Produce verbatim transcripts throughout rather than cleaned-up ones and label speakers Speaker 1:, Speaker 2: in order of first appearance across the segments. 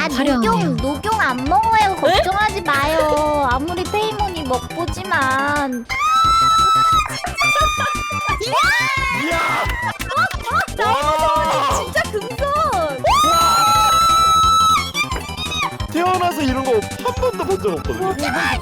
Speaker 1: 화려하네요.
Speaker 2: 녹용, 녹용 안 먹어요. 걱정하지 마요. 아무리 페이몬이 먹보지만.
Speaker 3: 이야!
Speaker 2: 나의 진짜 금손.
Speaker 3: 태어나서 이런 거 한 번도 본 적 없거든요.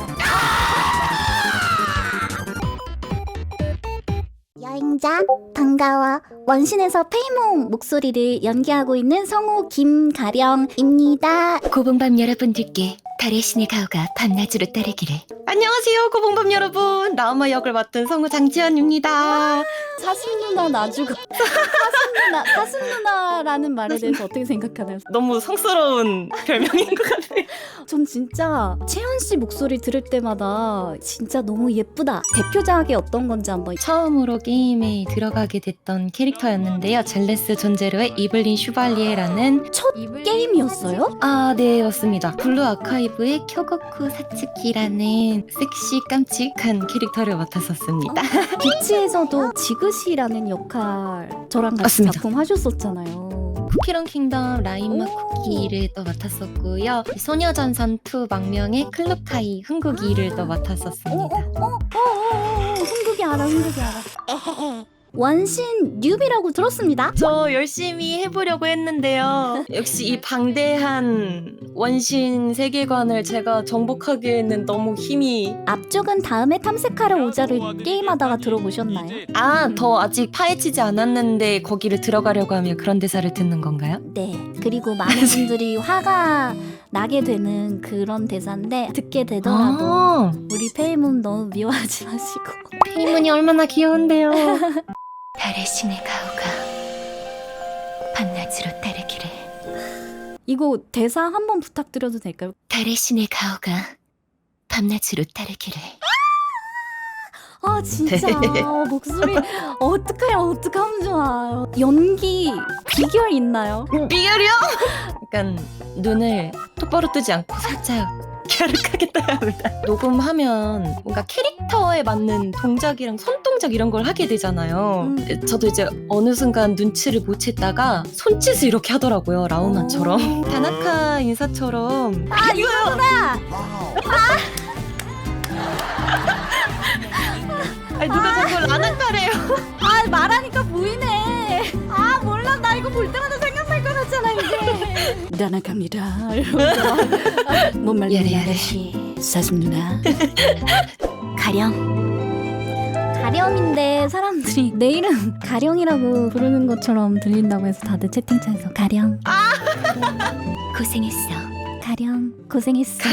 Speaker 2: 여행자 반가워. 원신에서 페이몬 목소리를 연기하고 있는 성우 김가령입니다.
Speaker 1: 고봉밤 여러분들께 달의 신의 가호가 밤낮으로 따르기를. 안녕하세요, 고봉밤 여러분. 라우마 역을 맡은 성우 장지연입니다.
Speaker 2: 사슴 누나 나주고 사슴 누나 사슴 누나라는 말에 대해서 어떻게 생각하나요?
Speaker 1: 너무 성스러운 별명인 것 같아요.
Speaker 2: 전 진짜 채연 씨 목소리 들을 때마다 진짜 너무 예쁘다. 대표작이 어떤 건지 한번.
Speaker 1: 처음으로 게임에 들어가게 됐던 캐릭터였는데요. 젤레스 존제로의 이블린 슈발리에라는
Speaker 2: 첫 게임이었어요?
Speaker 1: 아, 네, 맞습니다. 블루 아카이브의 쿄고쿠 사츠키라는 섹시 깜찍한 캐릭터를 맡았었습니다.
Speaker 2: 비치에서도 지그시라는 역할 저랑 같이
Speaker 1: 맞습니다.
Speaker 2: 작품 하셨었잖아요.
Speaker 1: 쿠키런 킹덤 라인마 쿠키를 또 맡았었고요. 소녀전선 투 망명의 클럽카이 흥국이를 또 맡았었습니다.
Speaker 2: 어어어어어 흥국이 알아 흥국이 알아. 원신 뉴비라고 들었습니다.
Speaker 1: 저 열심히 해보려고 했는데요. 역시 이 방대한 원신 세계관을 제가 정복하기에는 너무 힘이...
Speaker 2: 앞쪽은 다음에 탐색하러 오자를 게임하다가 들어보셨나요?
Speaker 1: 아, 더 아직 파헤치지 않았는데 거기를 들어가려고 하면 그런 대사를 듣는 건가요?
Speaker 2: 네. 그리고 많은 분들이 화가 나게 되는 그런 대사인데 듣게 되더라도
Speaker 1: 아,
Speaker 2: 우리 페이몬 너무 미워하지 마시고.
Speaker 1: 페이문이 얼마나 귀여운데요. 달의 신의 가호가 밤낮으로 따르기를.
Speaker 2: 이거 대사 한번 부탁드려도 될까요?
Speaker 1: 달의 신의 가호가 밤낮으로 따르기를.
Speaker 2: 아 진짜 어, 목소리 어떡해요 어떡하면 좋아. 연기 비결 있나요?
Speaker 1: 비결이요? 약간 눈을 똑바로 뜨지 않고 살짝 갸륵하게 떠야 합니다. 녹음하면 뭔가 캐릭터에 맞는 동작이랑 손동작 이런 걸 하게 되잖아요.
Speaker 2: 음.
Speaker 1: 저도 이제 어느 순간 눈치를 못 챘다가 손짓을 이렇게 하더라고요. 라우마처럼. 다나카 인사처럼.
Speaker 2: 아 이거구나.
Speaker 1: 아니 누가 자꾸 라나카래요.
Speaker 2: 아 말하니까 보이네. 아 몰라 나 이거 볼 때마다 생각날 것 같잖아 이게. 나나갑니다. 이러면서 못 말리는
Speaker 1: 야래야래.
Speaker 2: 아저씨 사슴 누나. 가령. 가령인데 사람들이 내 이름 가령이라고 부르는 것처럼 들린다고 해서 다들 채팅창에서 가령.
Speaker 1: 고생했어.
Speaker 2: 가령 고생했어.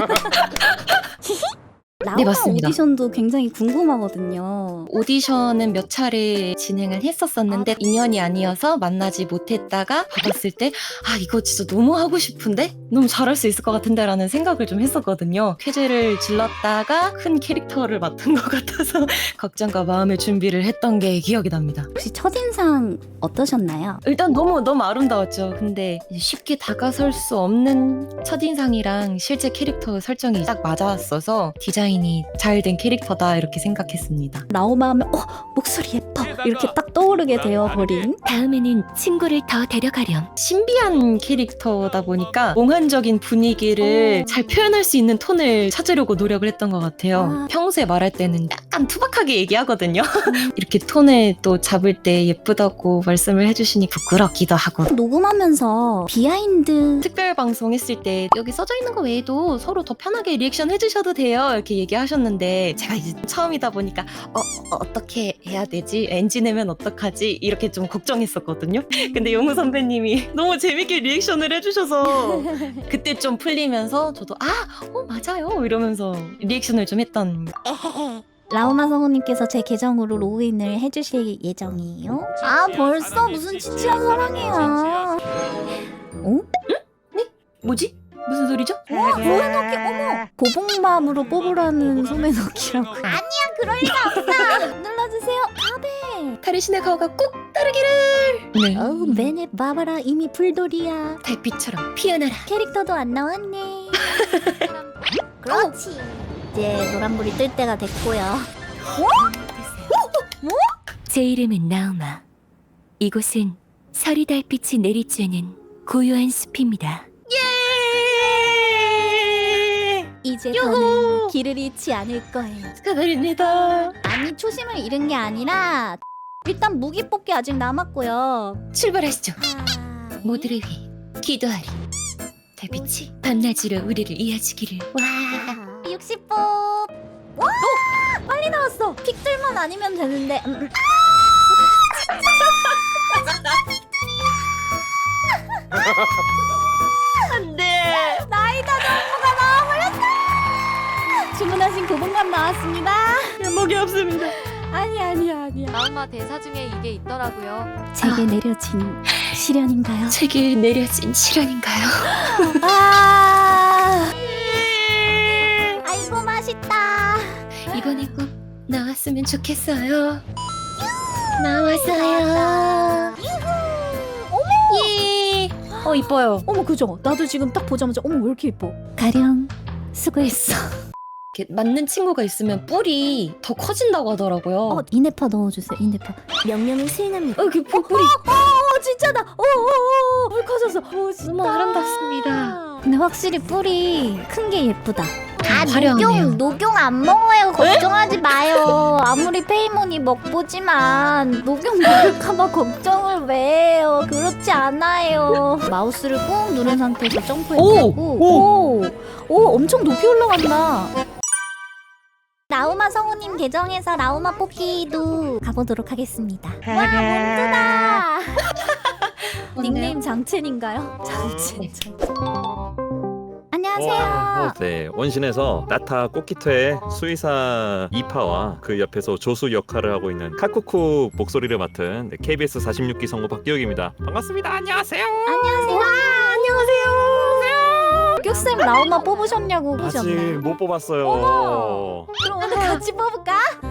Speaker 2: 라우마
Speaker 1: 네, 맞습니다.
Speaker 2: 오디션도 굉장히 궁금하거든요.
Speaker 1: 오디션은 몇 차례 진행을 했었었는데 인연이 아니어서 만나지 못했다가 받았을 때 아 이거 진짜 너무 하고 싶은데? 너무 잘할 수 있을 것 같은데 라는 생각을 좀 했었거든요. 쾌재를 질렀다가 큰 캐릭터를 맡은 것 같아서 걱정과 마음의 준비를 했던 게 기억이 납니다.
Speaker 2: 혹시 첫인상 어떠셨나요?
Speaker 1: 일단 너무 너무 아름다웠죠. 근데 쉽게 다가설 수 없는 첫인상이랑 실제 캐릭터 설정이 딱 맞았어서 디자인이 잘 된 캐릭터다 이렇게 생각했습니다.
Speaker 2: 라오마 하면 어 목소리 예뻐 이렇게 딱 떠오르게 되어버린.
Speaker 1: 다음에는 친구를 더 데려가렴. 신비한 캐릭터다 보니까 몽환적인 분위기를 잘 표현할 수 있는 톤을 찾으려고 노력을 했던 것 같아요.
Speaker 2: 아.
Speaker 1: 평소에 말할 때는 약간 투박하게 얘기하거든요. 이렇게 톤을 또 잡을 때 예쁘다고 말씀을 해주시니 부끄럽기도 하고.
Speaker 2: 녹음하면서 비하인드
Speaker 1: 특별 방송 했을 때 여기 써져 있는 거 외에도 서로 더 편하게 리액션 해주셔도 돼요 이렇게 얘기하셨는데 제가 이제 처음이다 보니까 어, 어 어떻게 해야 되지? 엔지 내면 어떡하지? 이렇게 좀 걱정했었거든요. 근데 용우 선배님이 너무 재밌게 리액션을 해주셔서 그때 좀 풀리면서 저도 아, 어 맞아요 이러면서 리액션을 좀 했던.
Speaker 2: 라오마 성우님께서 제 계정으로 로그인을 해주실 예정이에요. 아 벌써 무슨 치치한 사랑이야. 어?
Speaker 1: 뭐지? 무슨 소리죠?
Speaker 2: 와 소매넣기 어머 고봉밤으로 뽑으라는 소매넣기라고. 아니야 그럴 리가 없어. 눌러주세요 카베.
Speaker 1: 달의 신의 가호가 꼭 따르기를. 네.
Speaker 2: 어우 맨에 봐봐라 이미 불돌이야.
Speaker 1: 달빛처럼 피어나라.
Speaker 2: 캐릭터도 안 나왔네. 그렇지. 이제 노란불이 뜰 때가 됐고요.
Speaker 1: 제 이름은 나우마. 이곳은 서리 달빛이 내리쬐는 고요한 숲입니다. 예!
Speaker 2: 이제
Speaker 1: 요호!
Speaker 2: 더는 길을 잃지 않을 거예요.
Speaker 1: 축하드립니다.
Speaker 2: 아니 초심을 잃은 게 아니라 일단 무기 뽑기 아직 남았고요.
Speaker 1: 출발하시죠.
Speaker 2: 아...
Speaker 1: 모두를 위해 기도하리. 달빛이 밤낮으로 우리를 이어주기를. 와.
Speaker 2: 육십 뽑. 와! 빨리 나왔어. 픽들만 아니면 되는데. 음.
Speaker 1: 안돼.
Speaker 2: 나이다 정보가 나와버렸어. 주문하신 고봉감 나왔습니다.
Speaker 1: 면목이 없습니다.
Speaker 2: 아니 아니야 아니야.
Speaker 4: 라우마 대사 중에 이게 있더라고요.
Speaker 2: 제게 내려진 시련인가요?
Speaker 1: 제게 내려진 시련인가요?
Speaker 2: 아. 아이고 맛있다.
Speaker 1: 이번에 꼭 나왔으면 좋겠어요. 나왔어요.
Speaker 2: 어머.
Speaker 1: 예. 어 이뻐요.
Speaker 2: 어머 그죠? 나도 지금 딱 보자마자 어머 왜 이렇게 이뻐? 가령 수고했어.
Speaker 1: 이렇게 맞는 친구가 있으면 뿔이 더 커진다고 하더라고요.
Speaker 2: 어 이네파 넣어주세요. 이네파. 명령을 수행합니다.
Speaker 1: 어, 이렇게 뿔- 뿔이
Speaker 2: 어 진짜다. 어어어 물 커졌어. 오 진짜.
Speaker 1: 너무 아름답습니다.
Speaker 2: 근데 확실히 뿔이 큰 게 예쁘다. 아
Speaker 1: 화려하네요.
Speaker 2: 녹용 녹용 안 먹어요. 걱정하지 마요. 아무리 페이몬이 먹보지만 녹용 먹을까봐 걱정을 왜 해요. 그렇지 않아요. 마우스를 꾹 누른 상태에서 점프해주고
Speaker 1: 오!
Speaker 2: 오! 오 엄청 높이 올라간다. 라우마 성우님 계정에서 라우마 뽑기도 가보도록 하겠습니다. 와 몬드다. 닉네임 장첸인가요? 장첸. 안녕하세요.
Speaker 3: 네, 원신에서 나타 꽃기토의 수의사 이파와 그 옆에서 조수 역할을 하고 있는 카쿠쿠 목소리를 맡은 네, 케이비에스 사십육 기 성우 박기욱입니다. 반갑습니다. 안녕하세요.
Speaker 2: 안녕하세요. 안녕하세요. 격쌤 라우마 뽑으셨냐고
Speaker 3: 아직
Speaker 2: 보셨나요?
Speaker 3: 못 뽑았어요.
Speaker 2: 어머. 그럼 오늘 같이 뽑을까?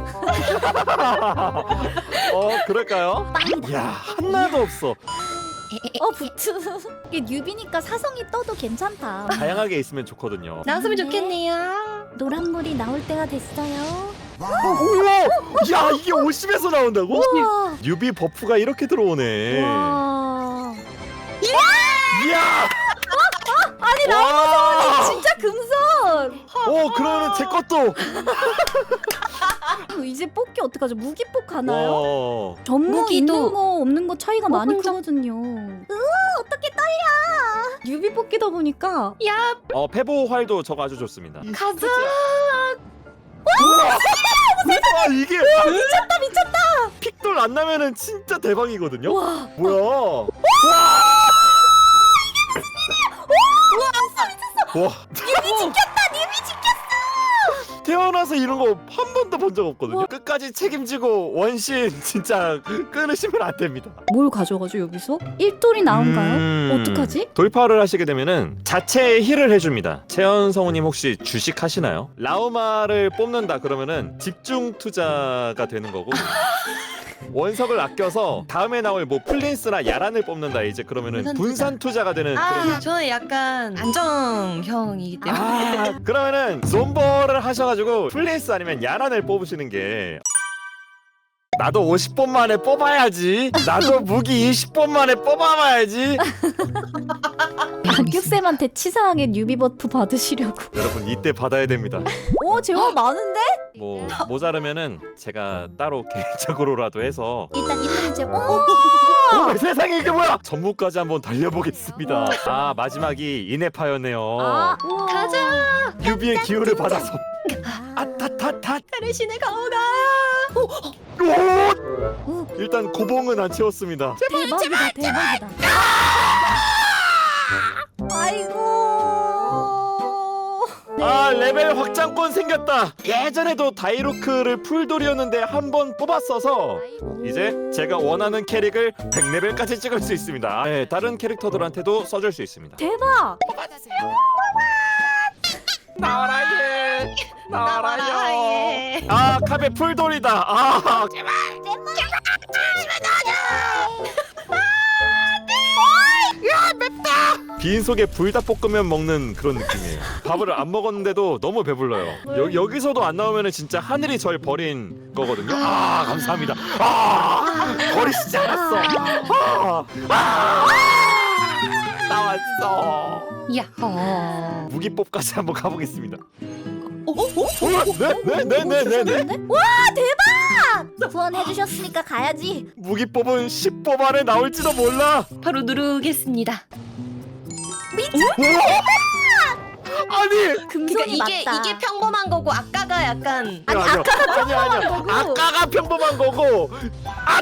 Speaker 3: 어, 그럴까요?
Speaker 2: 빵이다.
Speaker 3: 야, 하나도 없어.
Speaker 2: 어 부츠. 이게 뉴비니까 사성이 떠도 괜찮다.
Speaker 3: 다양하게 있으면 좋거든요.
Speaker 1: 나왔으면
Speaker 2: 네.
Speaker 1: 좋겠네요.
Speaker 2: 노란물이 나올 때가 됐어요.
Speaker 3: 우와! 야, 이게 오십에서 나온다고?
Speaker 2: 우와.
Speaker 3: 뉴비 버프가 이렇게 들어오네.
Speaker 2: 와.
Speaker 3: 이야!
Speaker 2: 아니 라우마 성우님 진짜 금손.
Speaker 3: 오, 그러면 제 것도.
Speaker 2: 이제 뽑기 어떡하죠? 무기 뽑 가나요?
Speaker 3: 와.
Speaker 2: 전무
Speaker 1: 무기도
Speaker 2: 있는 거 없는 거 차이가 많이
Speaker 1: 뽑은 적-
Speaker 2: 크거든요. 으 어떻게 떨려? 뉴비 뽑기다 보니까
Speaker 1: 야
Speaker 3: 어, 페보 활도 저거 아주 좋습니다.
Speaker 1: 가자.
Speaker 3: 와, 이게 미쳤다 미쳤다. 픽돌 안 나면은 진짜 대박이거든요.
Speaker 2: 와.
Speaker 3: 뭐야? 와. 와,
Speaker 2: 뉴비 지켰다. 뉴비 지켰어.
Speaker 3: 태어나서 이런 거 한 번도 본 적 없거든요. 끝까지 책임지고 원신 진짜 끊으시면 안 됩니다.
Speaker 2: 뭘 가져가죠 여기서? 일돌이 나온가요?
Speaker 3: 음,
Speaker 2: 어떡하지?
Speaker 3: 돌파를 하시게 되면은 자체 힐을 해줍니다. 채연 성우님 혹시 주식 하시나요? 라우마를 뽑는다 그러면은 집중 투자가 되는 거고 원석을 아껴서 다음에 나올 뭐 플린스나 야란을 뽑는다 이제 그러면은
Speaker 1: 분산
Speaker 3: 분산 투자가 되는
Speaker 1: 아
Speaker 3: 그런.
Speaker 1: 저는 약간 안정형이기 때문에.
Speaker 3: 아, 그러면은 존버를 하셔가지고 플린스 아니면 야란을 뽑으시는 게. 나도 오십 번 만에 뽑아야지. 나도 무기 이십 번 만에 뽑아봐야지.
Speaker 2: 박격쌤한테 치사하게 뉴비 버프 받으시려고.
Speaker 3: 여러분 이때 받아야 됩니다.
Speaker 2: 오 제법 많은데?
Speaker 3: 뭐 모자르면은 제가 따로 개인적으로라도 해서.
Speaker 2: 일단 있는 이제 오!
Speaker 3: 오, 세상에 이게 뭐야? 전무까지 한번 달려보겠습니다. 아, 마지막이 이네파였네요.
Speaker 2: 아, 우와.
Speaker 1: 가자.
Speaker 3: 유비의 기운을 받아서.
Speaker 2: 아,
Speaker 3: 아타타타.
Speaker 1: 페르신의 가오가.
Speaker 3: 오!
Speaker 2: 우,
Speaker 3: 일단 고봉은 안 채웠습니다.
Speaker 2: 대박이다 대박이다. 아이고.
Speaker 3: 아, 레벨 확장권 생겼다. 예전에도 다이로크를 풀돌이었는데 한 번 뽑았어서 이제 제가 원하는 캐릭을 백 레벨까지 찍을 수 있습니다. 네, 다른 캐릭터들한테도 써줄 수 있습니다.
Speaker 2: 대박.
Speaker 3: 나와라 예. 나와라 예.
Speaker 1: 예.
Speaker 3: 아, 카베 풀돌이다. 아, 빈속에 불닭볶음면 먹는 그런 느낌이에요. 밥을 안 먹었는데도 너무 배불러요. 여, 여기서도 안 나오면 진짜 하늘이 절 버린 거거든요. 아, 감사합니다. 아, 버리시지 않았어. 아, 아, 나왔어.
Speaker 1: 야호.
Speaker 3: 무기법까지 한번 가보겠습니다.
Speaker 1: 어, 어, 어?
Speaker 3: 네네네네네.
Speaker 2: 와 대박! 후원해주셨으니까 가야지.
Speaker 3: 무기법은 십 법 안에 나올지도 몰라.
Speaker 1: 바로 누르겠습니다.
Speaker 3: 아니.
Speaker 2: 금손이
Speaker 1: 그러니까 이게
Speaker 2: 맞다.
Speaker 1: 이게 평범한 거고 아까가 약간
Speaker 2: 아니,
Speaker 3: 아니야,
Speaker 2: 아까가
Speaker 3: 아니야, 아니야.
Speaker 2: 평범한 거고.
Speaker 3: 아까가 평범한 거고. 아.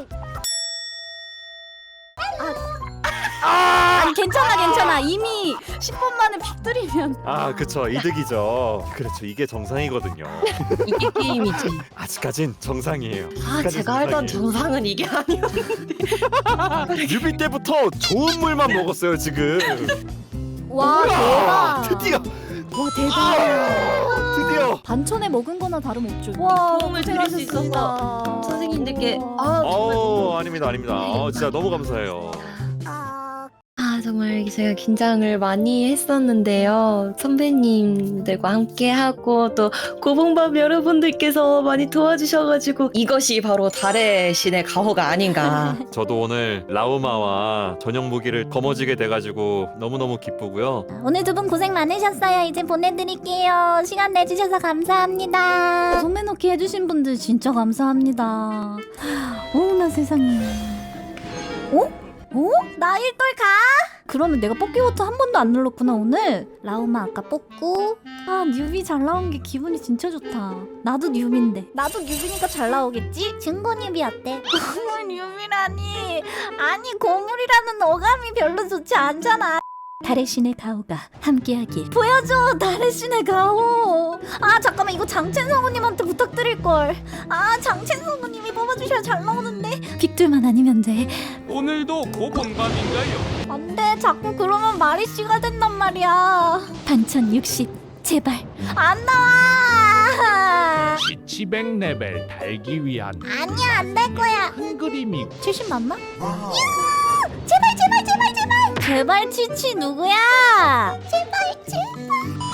Speaker 3: 아.
Speaker 2: 아니 괜찮아 괜찮아. 이미 십 분 만에 빅들이면.
Speaker 3: 아, 그쵸. 이득이죠. 그렇죠. 이게 정상이거든요.
Speaker 1: 이게 게임이지.
Speaker 3: 아직까진 정상이에요.
Speaker 1: 아
Speaker 3: 아직까진
Speaker 1: 제가 알던
Speaker 3: 정상이에요.
Speaker 1: 정상은 이게 아니었는데.
Speaker 3: 뮤비 때부터 좋은 물만 먹었어요 지금.
Speaker 2: 와
Speaker 3: 우와,
Speaker 2: 대박.
Speaker 3: 드디어.
Speaker 2: 와 대박.
Speaker 3: 아, 드디어.
Speaker 2: 반천에 먹은 거나 다름없죠. 와
Speaker 1: 도움을 드릴 수 있어서 선생님들께 아 정말
Speaker 3: 어,
Speaker 1: 너무
Speaker 3: 아닙니다, 아닙니다. 어, 진짜 너무 감사해요.
Speaker 1: 아 정말 제가 긴장을 많이 했었는데요. 선배님들과 함께 하고 또 고봉밥 여러분들께서 많이 도와주셔가지고 이것이 바로 달의 신의 가호가 아닌가.
Speaker 3: 저도 오늘 라우마와 전용 무기를 거머쥐게 돼가지고 너무너무 기쁘고요.
Speaker 2: 오늘 두 분 고생 많으셨어요. 이제 보내드릴게요. 시간 내주셔서 감사합니다. 소매 넣기 해주신 분들 진짜 감사합니다. 어머나 세상에. 어? 어? 나 일돌 가? 그러면 내가 뽑기부터 한 번도 안 눌렀구나 오늘. 라우마 아까 뽑고. 아 뉴비 잘 나온 게 기분이 진짜 좋다. 나도 뉴비인데. 나도 뉴비니까 잘 나오겠지? 증거 뉴비 어때? 고물 뉴비라니. 아니 고물이라는 어감이 별로 좋지 않잖아. 달의 신의 가호가 함께하길. 보여줘 달의 신의 가호. 아 잠깐만 이거 장첸 성우님한테 부탁드릴걸. 아 장첸 성우님이 뽑아주셔야 잘 나오는데. 빅들만 아니면 돼.
Speaker 5: 오늘도 고본감인가요?
Speaker 2: 안돼 자꾸 그러면 마리씨가 된단 말이야. 반천 육십 제발 안 나와.
Speaker 5: 치치백 레벨 달기 위한
Speaker 2: 아니야 안 될 거야.
Speaker 5: 큰 그림이
Speaker 2: 칠십 맞나? 제발 제발 제발 제발 제발 치치 누구야? 제발 제발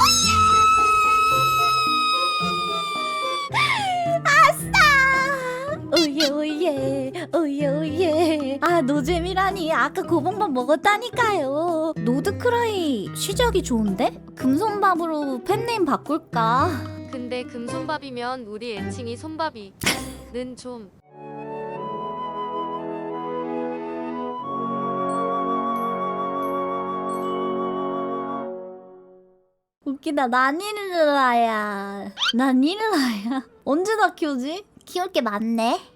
Speaker 2: 아싸 오예 오예 오예 오예. 아 노잼이라니 아까 고봉밥 먹었다니까요. 노드크라이 시작이 좋은데? 금손밥으로 팬네임 바꿀까?
Speaker 4: 근데 금손밥이면 우리 애칭이 손밥이는 좀
Speaker 2: 웃기다. 난일라야. 난일라야. 언제 다 키우지? 키울 게 많네.